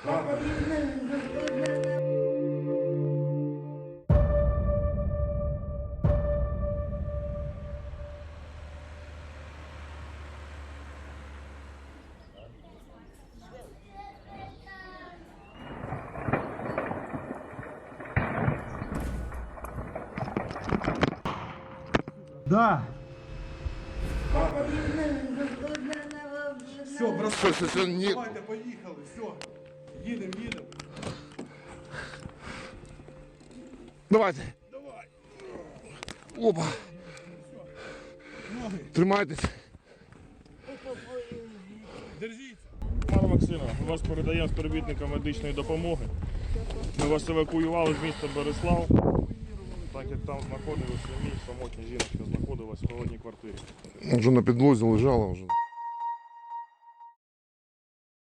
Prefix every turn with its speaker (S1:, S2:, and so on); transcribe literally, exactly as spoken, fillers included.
S1: Да.
S2: Все, брат,
S3: Все, все, все, ні.
S2: давайте, поїхали, все. Їдемо, їдемо.
S3: Давайте. Опа.
S2: Ноги,
S3: Тримайтесь.
S2: держіться.
S4: Пане Максиме, ми вас передаємо співробітникам медичної допомоги. Ми вас евакуювали з міста Береслав, так як там знаходилися самі самотні жіночка знаходилась в холодній квартирі.
S3: Вже на підлозі лежала вже.